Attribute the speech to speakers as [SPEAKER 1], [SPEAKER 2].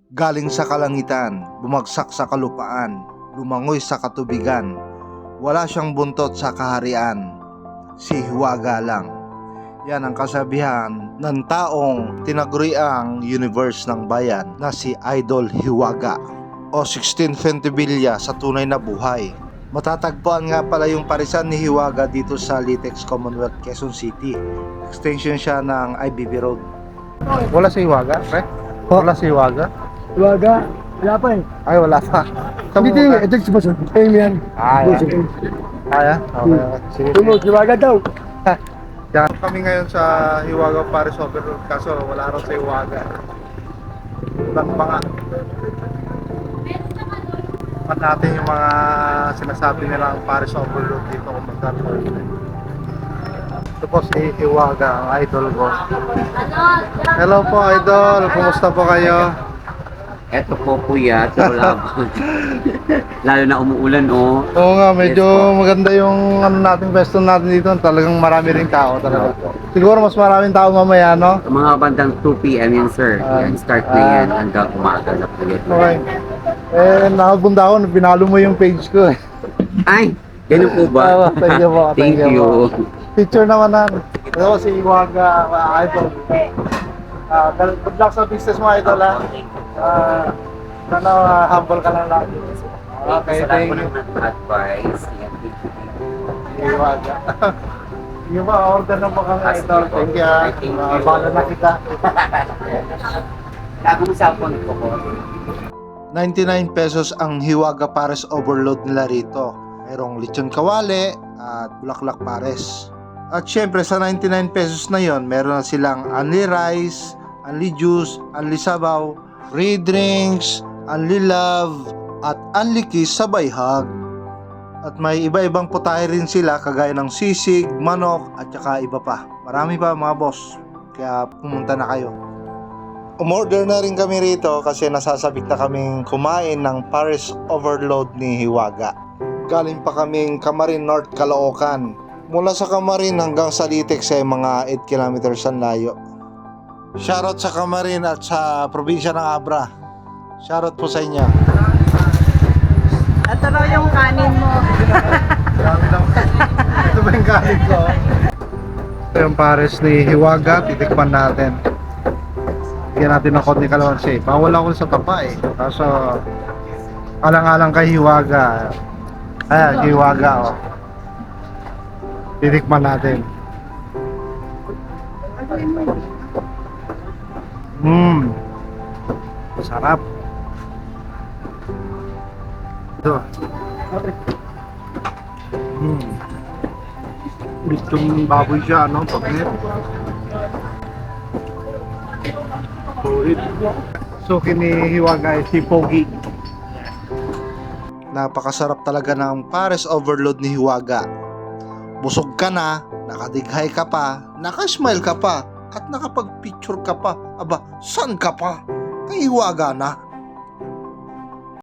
[SPEAKER 1] Galing sa kalangitan, bumagsak sa kalupaan, lumangoy sa katubigan. Wala siyang buntot sa kaharian, si Hiwaga lang. Yan ang kasabihan ng taong tinaguriang universe ng bayan na si Idol Hiwaga o 16 Ventibilya sa tunay na buhay. Matatagpuan nga pala yung parisan ni Hiwaga dito sa Litex Commonwealth, Quezon City. Extension siya ng IBB Road. Wala si Hiwaga, pre? Wala si Hiwaga?
[SPEAKER 2] Hiwaga, wala pa eh.
[SPEAKER 1] Ay, wala pa.
[SPEAKER 2] Hindi, ito si Boss. Ayun yan.
[SPEAKER 1] Kaya? Okay. Sige.
[SPEAKER 2] Tumog, Hiwaga daw.
[SPEAKER 1] Diyan kami ngayon sa Hiwaga Paris Overload, kaso wala raw sa Hiwaga. Ibang mga pat natin yung mga sinasabi nilang Paris Overload dito kung magkakaroon. Ito po si Hiwaga, ang idol ko. Hello po, idol. Kumusta po kayo?
[SPEAKER 3] Eto po kuya, tulabon. Lalo na umuulan oh.
[SPEAKER 1] Oo nga, medyo maganda yung nating pwesto natin dito. Talagang marami ring tao talaga. Siguro mas maraming tao mamaya, no?
[SPEAKER 3] Mga bandang 2 PM yan sir. Yan, start na yan hanggang umaga na po yun.
[SPEAKER 1] Okay. Nakabunda ako, pinalo mo yung page ko eh.
[SPEAKER 3] Ay! Ganun po ba?
[SPEAKER 1] Thank you po.
[SPEAKER 3] Thank you.
[SPEAKER 1] Picture naman na. Ito si Hiwaga, idol. Good luck sa business mo, idol ha. Sana humble ka lang lagi. Okay, thank you.
[SPEAKER 3] Advice.
[SPEAKER 1] Hiwaga. Yung mga order ng mga idol. Thank you ha.
[SPEAKER 3] Thank you.
[SPEAKER 1] Bahala na kita.
[SPEAKER 3] Lago mo sa phone ko po.
[SPEAKER 1] 99 pesos ang Hiwaga Pares Overload nila rito. Merong lechon kawali at bulaklak pares. At syempre sa 99 pesos na yon, meron na silang only rice, only juice, only sabaw, free drinks, only love, at only kiss sabay hug. At may iba-ibang putahe rin sila kagaya ng sisig, manok, at saka iba pa. Marami pa mga boss. Kaya pumunta na kayo. Umorder na rin kami rito kasi nasasabik na kaming kumain ng Paris Overload ni Hiwaga. Galing pa kaming Camarin North, Caloocan. Mula sa Camarin hanggang sa Litex ay mga 8 kilometers ang layo. Shoutout sa Camarin at sa probinsya ng Abra. Shoutout po sa inyo.
[SPEAKER 4] Ito raw yung kanin mo.
[SPEAKER 1] Grabe naman. Ito ba yung kanin ko? Ito yung Paris ni Hiwaga. Titikman natin. Bigyan natin ng konti kalamansi. Bawal ako sa tapa eh. Kaso alang-alang kay Hiwaga. Ayan, Hiwaga oh. Titikman natin. Sarap. Ito. Itong baboy siya, no? Pagkit. So, kinihiwaga si Pogi. Napakasarap talaga ng Paris Overload ni Hiwaga. Busog ka na, nakadighay ka pa, nakasmile ka pa, at nakapag-picture ka pa. Aba, saan ka pa? Kay Hiwaga na.